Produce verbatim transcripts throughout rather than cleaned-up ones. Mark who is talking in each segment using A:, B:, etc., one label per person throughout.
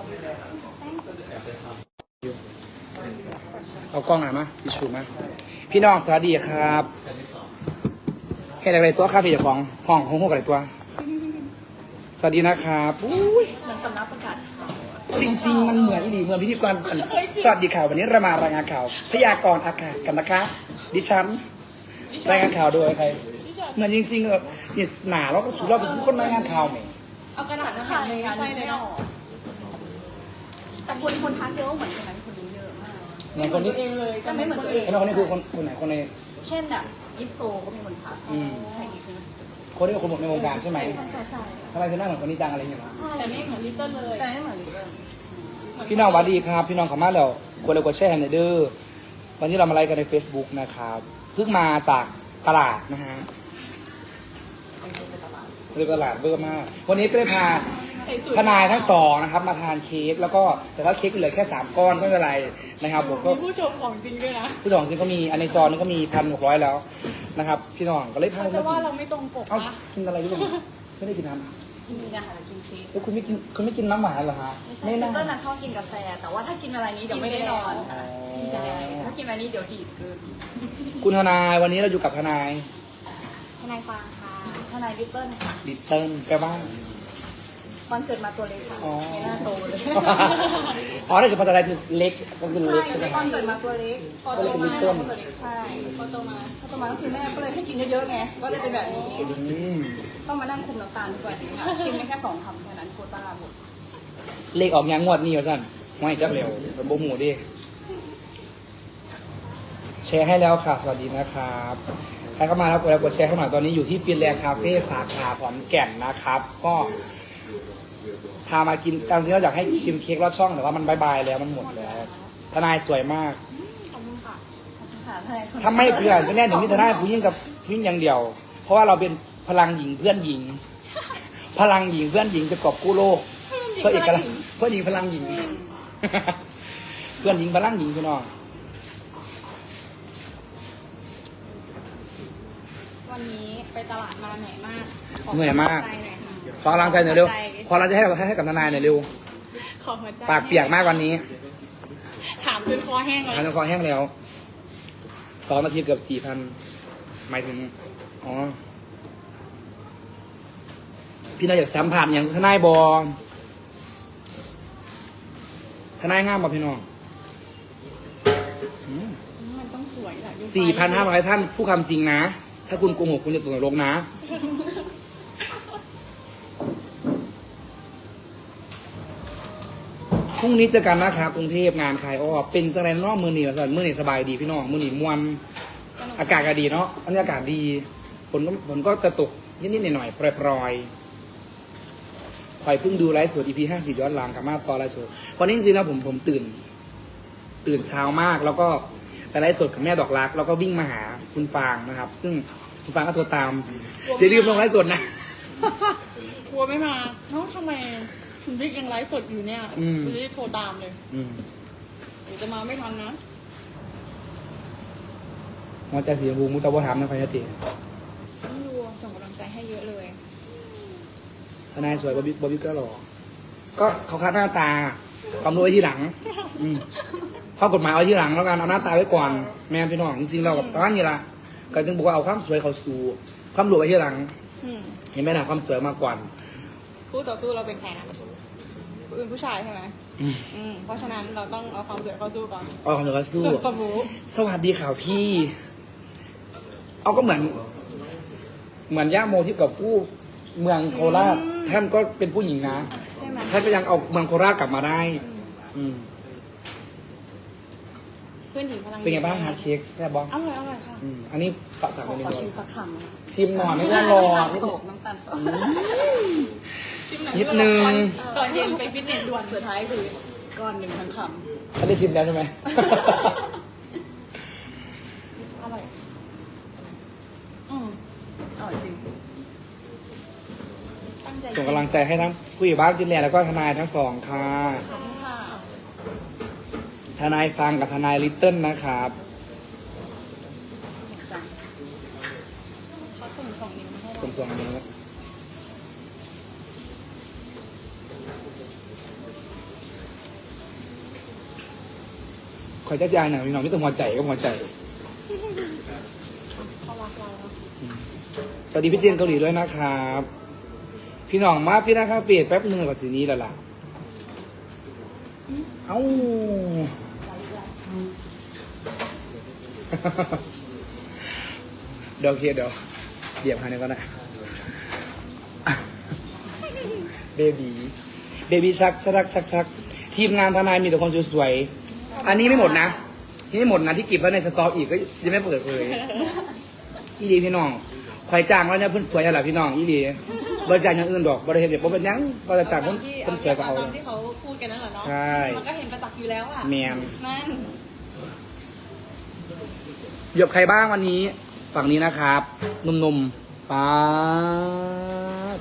A: เอากล้องหน่อยมาทิชชูมาพี่น้องสวัสดีครับเห็นอะไรตัวครับพี่เจ้าของห้องห้องห้องอะไรตัว สวัสดีนะครับอุ้ย
B: เหมือนสำนักประกาศ
A: จริงๆมันเหมือนดีเหมือนพิธีกรสวัสดีข่าววันนี้เรามารายงานข่าวพยากรณ์อากาศกันนะคะดิฉันรายงานข่าวโดยใครเหมือนจริงๆแบบนี่หนาแล้วก็สุดเราเป็นคนรายงานข่าวไหม
B: เอากระดาษมาทำในงานไม่ได้แต่คนคนทักเยอะเหมือนคนนั้นคนนี้เยอะมาก
A: เหมือนคนนี้
B: เองเลยแต่ไม่เหมือนตัวเอง
A: คนนี้คือคนคนไหนคนใน
B: เช่นแบบยิปโซก็มีคนทักใช่อีกนะ
A: คนที่เป็นคนในวงการใช่ไหม
B: ใช่ใช่ใช่
A: ทำไมคือหน้าเหมือนคนนี้จังอะไรอย่างเงี้ย
B: ใช่แต่ไม่เหมือนลิตเติ้ลเลยแต่ไม่เหมือนลิตเติ้ล
A: พี่น้องสวัสดีครับพี่น้องขอมาแล้วกดไลค์กดแชร์ในเด้อวันนี้เรามาไลฟ์กันใน Facebook นะครับเพิ่งมาจากตลาดนะฮะเรื่องตลาดเบอร์มากวันนี้ก็ได้พาทนายทั้งสองนะครับมาทานเค้กแล้วก็แต่ว่าเค้กเหลือแค่สามก้อนก็ไม่เป็นไรนะครับผมก็
C: มีผู้ชมของจริงด้วยนะ
A: ผู้ชมจริงก็มีอันในจอนี่ก็มีพันหกร้อยแล้วนะครับพี่น้องก็เลยพา
C: เขาจะว่าเราไม่ตรงปก
A: เอ้า
C: ปะ
A: กินอะไรด้วยไม่ได้กินน้ำ
B: กินนะคะกินเค้ก
A: แล้วคุณไม่กินคุณไม่กินน้ำหวานเหรอฮะ
B: ไม่
A: ไม่
B: ใช่ลิต
A: น่า
B: เติ้ลน่ะชอบกินกาแฟแต่ว่าถ้ากินอะไรนี้เดี๋ยวไม่ได้นอน
A: อ๋อ
B: ใช่ถ้ากินอะไรนี้เดี๋ยวดีดเกิน
A: คุณทนายวันนี้เราอยู่กับทนาย
B: ทนายฟางค่ะทนายลิตเติ้ลค่ะ
A: ลิตเติ้ลแปลว่า
B: ตอนเกิดมาตัวเล็กค่ะ
A: อ๋อ
B: ไม่น่าโตเลย
A: อ๋อนั่นคือภาษาไทยคือเล็กก็คือเล็กใช่ไหม
B: ตอนเกิดมาตัวเล็กพอโตมา
A: ตัว
B: ก็
A: เล็ก
B: ตัวเล็กใช่พอโตมาพอโตมาก็คือแม่ก็เลยให้กินเยอะๆไงก็เลยเป็นแบบนี้
A: อืม
B: ต้องมานั่งคุมน้ำตาลทุกวันนี้ค่ะชิมได้แค่สองคำแค่นั้นโควต้าหมด
A: เลขออกยังงวดนี้วะสั้นไม่จับเร็วเป็นโบหูดิแชร์ให้แล้วค่ะสวัสดีนะครับใครเข้ามาแล้วกดไลค์กดแชร์ให้หน่อยตอนนี้อยู่ที่ฟินแลนด์คาเฟ่สาขาขอนแก่นนะครับ ก็พามากินตามที่เราอยากให้ชิมเค้กรอดช่องแต่ว่ามันบายบายแล้วมันหมดแล้วทนายสวยมาก
B: ขอบคุณค่ะขอบคุณค่ะทนายคน
A: ถ้าไม่เพื่อนก็แน่หนึ่งที่ทนายผู้หญิงกับผู้หญิงอย่างเดียว เพราะว่าเราเป็นพลังหญิงเพื่อนหญิง พลังหญิงเพื่อนหญิงจะกอบกู้โลกเพื่อเอกลักษณ์เพื่อนหญิงพลังหญิง เพื่อนหญิงพลังหญิงพี่น้อง
C: วันนี้ไปตลาดมาเหนื่อยมาก
A: เหนื่อยมาก
C: ขอหัวใจหน่อยค่ะ
A: ขอกำลังใจหน่อยเร็วขอกำลังใจให้กับให้กับทนายหน่อยเร็ว
C: ขอหัวใจ
A: ปากเปียกมากวันนี้
C: ถามจนคอแห้งเลย
A: ทานคอแห้งแล้วสองนาทีเกือบสี่พันหมายถึงอ๋อพี่นายอยากสัมผัสอย่างทนายบอทนายงามบ่พี่น้อง
C: มันต้องสวยแหละดูไฟ
A: สี่พันห้าร้อยท่านผู้คำจริงนะ ถ้าคุณโกหกคุณจะตกนรกนะ พรุ่งนี้เจอกันนะครับกรุงเทพงานขายอ้อเป็นจังไรเนอกมือหนีมาสั่นมือหนีสบายดีพี่น้องมือหนีมวน
C: สนุก
A: อากาศก็ดีเนาะอันนี้อากาศดีฝนก็ฝนก็จะตกนิดๆหน่อยๆปล่อยๆคอยเพิ่งดูไลฟ์สด อี พี ห้าสิบย้อนหลังกับมาตอนไลฟ์สดวันนี้จริงๆแล้วผมผมตื่น ตื่นเช้ามาก แล้วก็ไปไลฟ์สดกับแม่ดอกรัก แล้วก็วิ่งมาหาคุณฟางนะครับ ซึ่งคุณฟางก็โทรตามอย่าลืมลงไลฟ์สดนะ
C: กลัวไม่มาเนาะทำไมคุณบิ๊กยังไลฟ์สดอยู่เนี่ย
A: อืม
C: คุณรีบโทรตามเลย
A: อืม
C: เดี๋ยวจะมาไม่ทันนะ
A: หัวใจสีชมพูมุตะวะถามนะพายติ
C: ต้องดูส่งกำลังใจให้เยอะเลย
A: ทนายสวยบอบบี้บอบบี้ก็หล่อก็เขาคัดหน้าตา ความรู้ไว้ที่หลัง อืมข้อกฎหมายเอาที่หลังแล้วกันเอาหน้าตาไว้ก่อน แม่พี่น้องจริงๆเรากับประมาณนี้ละก็ถึงบอกว่าเอาความสวยเขาสู่ความรวยไว้ที่หลัง
C: อืม
A: เห็นไหมนะความสวยมากกว่า
C: คู่ต่อสู้เราเป็นใครนะเป็นผู้ชายใช่ไหม
A: อืม
C: อืมเพราะฉะนั้นเราต้องเอาความสวยเข้าสู้ก่อน
A: เอาความสวยเขาสู้
C: ส่วนความรู้
A: สวัสดีข่าวพี่ เอาก็เหมือน เหมือนย่าโมที่กับผู้เมืองโคราชท่านก็เป็นผู้หญิงนะ
C: ใช่ไหม
A: ท่านก็ยังเอาเมืองโคราชกลับมาได้ อืม
C: เพื่อนหญิงพลัง
A: เป็นไงบ้างฮาร์ดเค้กแซ่บบ้าง
C: อร่อยอร่อยค่ะ
A: อืมอันนี้ปะสั่ง
B: ขอ
A: อันนี้
B: ขอ
A: ก่อ
B: ชิม
A: น
B: สักคำนะ
A: ชิมหน่อยไม่ต้องรอ
B: น้ำตาลโตกน้ำตาลโตก
C: ชิมหน่อย
A: นิดนึง
C: ตอนเย็นไปฟิตเนสด่วน
B: สุดท้ายคือก้อนหนึ่งทั้งค
A: ท่านได้ชิมแล้วใช่ไหม
C: อร่อยอืม
B: ำอร่อยจริง
C: ตั้งใจ
A: ส่งกำลังใจให้ทั้งผู้ใหญ่บ้านฟินแลนด์แล้วก็ทนายทั้งสองค่ะ
C: ขอบคุณค่ะ
A: ทนายฟังกับทนายลิตเติ้ลนะครับ
B: จ้ะ
C: เขาส่งสองนิ้วมาให้เรา
A: ส่งส่งนี้คอยจะจ่ายหน่อยพี่น้องไม่ต้องหัวใจก็หัวใจ
C: เขารักเราเนอะ
A: สวัสดีพี่เจนเกาหลีด้วยนะครับ พี่น้องมาพี่นะครับเปลี่ยนแป๊บหนึ่งกว่าสีนี้แล้วล่ะ เอ้า เดี๋ยวเคลียร์เดี๋ยวเดี๋ยวหาหนึ่งก่อนนะเบบีเบบีชักชักชักชักทีมงานทนายมีแต่คนสวยๆอันนี้ไม่หมดนะนี่ไม่หมดนะที่เก็บไว้ในสต็อกอีกก็ยังไม่เปิดเลยอีดีพี่น้องคอยจ้างแล้วเนี่ยเพิ่นสวยอะไรพี่น้องอีดีบริจาคอย่างอื่นดอกบริเห็นเดี๋ยวผมเป็นหยังบริจาคเพิ่นเพิ่นสวยก็เอา
C: ตามที่เขาพูดกันนั่นแหละเนาะ
A: ใช่
C: มันก็เห็นประจักษ์อยู่แล้วอ่ะ
A: แมน
C: นั่น
A: เหยียบใครบ้างวันนี้ฝั่งนี้นะครับหนุ่มๆป๊าด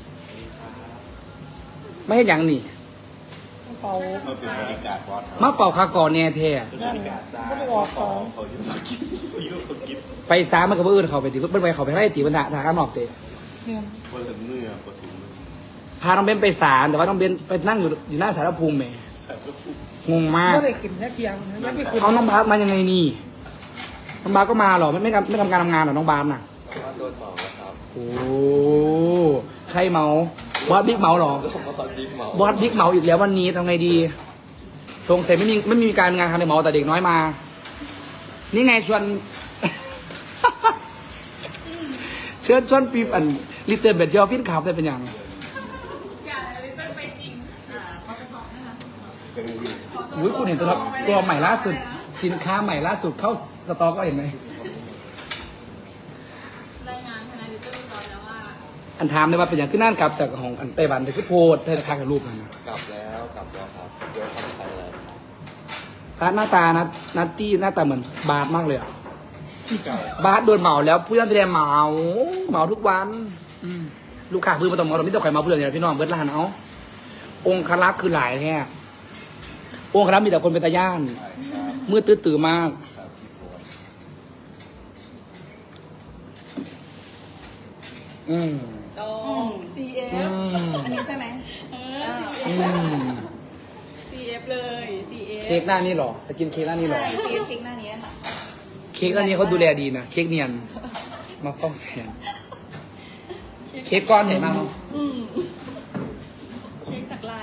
A: ไม่เห็นยังนี่
B: เฝ้า
D: เขาเป็นบริการบอส
A: มาเป่าคาก่อนแน่แท้
D: เป็นบริการได้
B: ไม่ได้ออกของ
D: เขาอยู่มากินเขาอยู่มากิน
A: ไปซ้ามันกับเอื่นเขาไปตีเพิ่นไปเขาไปให้ตีบรรดาทางข้างนอกเตะ
B: เนี่ย
D: พอถึงเนื้อพอถึง
A: พาน้องเบนไปศาลแต่ว่าน้องเบนไปนั่งอยู่อยู่หน้าสารภูมิแหม
D: แสบก็พูด
A: งงมาก
B: ไม่ได้ขึ้นแค่เคียงไม่ไปขึ้น
A: เอาน้องบาสมายังไงนี่น้องบาสก็มาเหรอไม่ไม่ทำไม่ทำการทำงานเหรอน้องบาสน่ะ
D: ว่าโดนเมาแล้วครับ
A: โอ้ใครเมาบอสบิ๊กเมาเหรอ
D: ผมมาตอนดิมเมา
A: บอสบิ๊กเมาอีกแล้ววันนี้ทำไงดีสงสัยไม่มีไม่มีการงานทำในเมาแต่เด็กน้อยมา นี่ไงชวน เชิญชวนปีอันลิเติ้ลเบดเจอฟินขับได้เป็นอย่าง
C: อย่าเลยเป็นไปจริงอ่าเขาไปบอกนั่นแหละ
D: เป็นอยู่
A: อุ้ยคุณเห็นตัวตัวใหม่ล่าสุด สินค้าใหม่ล่าสุดเข้าสต็อกก็เห็นไหม
C: รายงานทนายดิจิทัลร้อยแล้วว่า
A: อันถามได้ว่าเป็นอย่างขึ้นนั่นกลับจากของอันไต้หวันแต่คือโพดเธอค้างกับรูปมันนะ
D: กลับแล้วกลับแล้วครับเดี๋ยวทำไทยแล้ว
A: พาร์ทหน้าตานะนัตตี้หน้าตาเหมือนบาสมากเลยอะ
D: เก่า
A: บาสโดนเหมาแล้วผู้ย่านแสดงเหมาเหมาทุกวันอืมลูกค้าพื้นมาต้องเหมาเราไม่ต้องใครมาเพื่อนเนี่ยพี่น้องเบิร์ดลานเอาองค์ครักษ์คือหลายแท้องค์ครักษ์มีแต่คนเป็นตาย่าน
D: ครับ
A: มืดตื้อตื่อมาก
D: ครับพี่โพส
A: อืม
C: ตรง ซี เอฟ
A: อืม
B: อันนี้ใช่ไหม
C: เอ
A: อื
C: อ
A: ม
C: ซี เอฟ เลย ซี เอฟ
A: เค้กหน้านี่เหรอจะกินเค้กหน้านี่เหรอ
B: ใช่ซีเอฟเค้กหน้านี้ค่ะ
A: เค้กอันนี้เขาดูแลดีนะ เค้กเนียน มาฟ้องแฟน เค้กก้อนใหญ่มากเนอะ
C: อืมเค้กสักลาย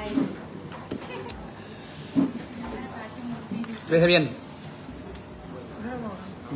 A: เป็นทะเบียน
B: ห้าหรอ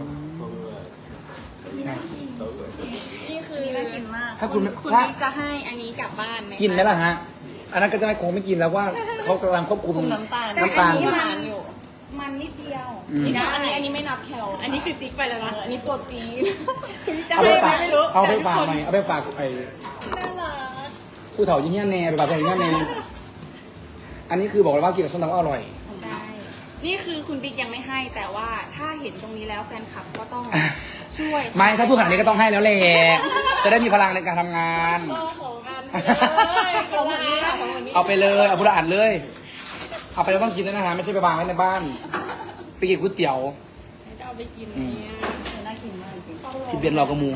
C: นี่คือ
B: น่ากินมาก
A: ถ้าคุณไม่
C: คุณ
A: ถ้า
C: บิ๊กจะให้อันนี้กลับบ้านไหม
A: กินไหมล่ะฮะ อันนั้นก็จะไม่คงไม่กินแล้วว่าเขากำลังควบคุม
B: คุมน้ำตาล
A: น้ำตาล
B: แต่อันนี้
A: อยู่
B: มันอยู่ มันนิดเดียว
A: อืม
C: นี่นะอันนี้อันนี้ไม่นับแคลอันนี้คือจิ๊กไปแล้วนะ
B: อันนี้โปรตีน
C: คุณจะ
A: เอา
C: ให้
A: ไป
C: ไหม
A: ฝาก
C: ไม่รู้
A: เอาไปฝาก
C: แต่
A: ไหม
C: ทุกคน
A: เอาไปฝากไอ้
C: น่ารัก
A: ผู้เฒ่ายิ่งเงี้ยแน่ไปฝากผู้ใหญ่ยิ่งเงี้ยแน่อันนี้คือบอกเลยว่ากินกับส้มตำก็อร่อย
C: ใช่ นี่คือคุณบิ๊กยังไม่ให้แต่ว่าถ้าเห็นตรงนี้แล้วแฟนคลับก็ต้องช่วย
A: ไม่ถ้าพูดขนาดนี้ก็ต้องให้แล้วแหละจะได้มีพลังในการทำงาน
C: ก็ของกันเลยของคนนี้ค่ะของคนนี้
A: เอาไปเลยเอาพุทธอ่านเลย เอาไปแล้วต้องกินด้วยนะฮะไม่ใช่ไปวางไว้ในบ้าน ไปกินก๋วยเตี๋ยว
C: จะเอาไปกินเนี่ย
B: น่ากินมากจริง
A: ที่เบียนรอกระมู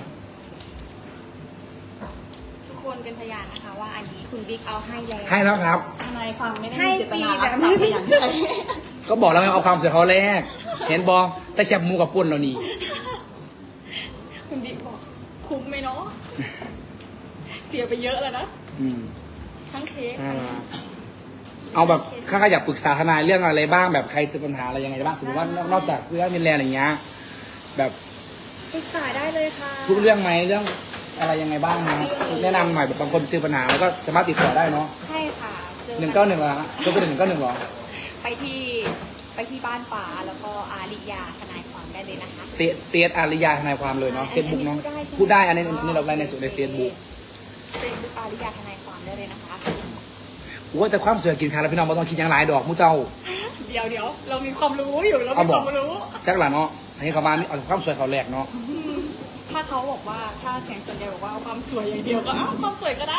C: ทุกคนเป็นพยานนะคะว่าอันนี้คุณบิ๊กเอาให้แล้ว
A: ให้แล้วครับ
B: ทนายฟังไม่ได้
C: ให้
B: มีเจต
C: ฟรี
B: นา
C: แบ
B: รัก
C: บ
B: ทรั
C: ไม่
B: พย์อย่าง
C: ใช่
B: ใด
A: ก็บอกแล้วไงเอาความสวยเขาแรก เห็นบอแต่แคบหมูกับปุ่นเรานี่
C: คุณบิ๊กบอกคุ้มไหมเนาะเสียไปเยอะแล้วนะ
A: อืม
C: ทั้งเค้ก
A: น่ารักเอาแบบข้าอยากปรึกษาทนายเรื่องอะไรบ้างแบบใครเจอปัญหาอะไรยังไงบ้างสมมติว่านอกจากเรื่องมินแลนด์อย่างเงี้ยแบบ
C: ปรึกษาได้เลยค่ะ
A: ทุกเรื่องไหมเรื่องอะไรยังไงบ้างนะแนะนำหน่อยแบบบางคนเจอปัญหาแล้วก็สามารถติดต่อได้เนาะ
C: ใช่ค่ะจอ
A: หนึ่งเก้าหนึ่งเหรอฮะโทรไปหนึ่งเก้าหนึ่งเหรอ
C: ไปที่ไปที่บ้านป่าแล้วก็อาริยาทนายความได้เลยนะคะ
A: เฟซเฟซอาริยาทนายความเลยเนาะ
C: ใช่
A: เฟซบุ๊กเนาะ
C: อันนี้พู
A: พูด
C: ดได้
A: ได้
C: ใช่ไหม
A: อันนี้อันนี้เราไลน์ในส่วนในเฟซบุ๊ก
C: เฟซบุ๊กอาริยาทนายความได้เลยนะคะ
A: ว่าแต่ความสวยกินขาแล้วพี่น้องไม่ต้องคิดอย่างหลายดอกมูเจ้า
C: เดี๋ยวเดี๋ยวเรามีความรู้อยู่เรา
A: เอา
C: มี
A: บ
C: ค
A: อก
C: วามรู้
A: จักหล่ะเนาะให้เขามานี่เอาความสวยเขาแหลกเนาะ
C: ถ้าเขาบอกว่าถ้าแสงส่วนใหญ่บอกว่าเอาความสวยอย่างเดียวก็เอาความสวยก็ได้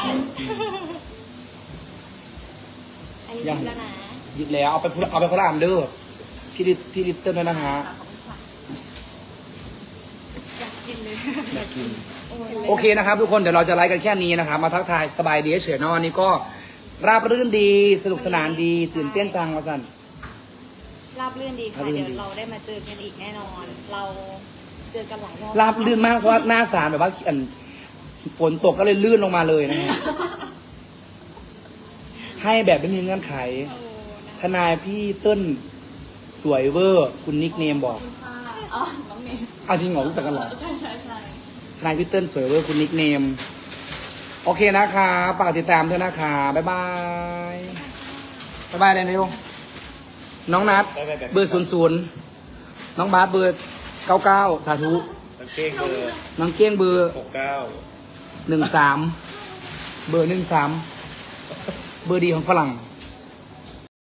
C: อันนี้ดีแล้วนะ
A: หยิบแล้วเอาไปพูดเอาไปคนละอันเด้อพี่ลิพี่ลิตเติ้ลด้วยนะฮะ
C: อยากกินเลย
A: อยากกิน
C: โอ้ย
A: โอเคนะครับทุกคนเดี๋ยวเราจะไลฟ์กันแค่นี้นะครับมาทักทายสบายดีเฉยๆเนาะวันนี้ก็ราบรื่นดีสนุกสนานดีตื่นเต้นจังวะสัน
C: ราบรื่นดีค่ะ
A: ราบรื่นดี
C: เดี๋ยวเราได้มาเจอกันอีกแน่นอน เราเจอกันหลายรอบ
A: ราบลื่นมากเพราะว่าหน้าสารแบบว่าอันฝนตกก็เลยลื่นลงมาเลยนะฮะ ให้แบบไม่มีเงื่อนไข
C: โอ้นะ
A: ทนายพี่เติ้ลสวยเวอร์ คุณนิกเนมบอก
B: คุณค่ะอ๋อน้องเนม
A: เอาจริงเหรอรู้จักกันเหรอ
B: ใช่ใช่ใช่
A: ทนายพี่เติ้ลสวยเวอร์คุณนิกเนม โอเคนะคะฝากติดตามด้วยนะคะบ๊ายบายบ๊ายบายเลยเร็วน้องนัดเบอร์ศูนย์ศูนย์น้องบาสเบอร์เก้าเก้าสาธุ
D: มันเก้งเบอร์
A: น้องเก้งเบอร์
D: หกเก้า
A: หนึ่งสามเบอร์หนึ่งสามเบอร์ดีของฝรั่ง
D: เ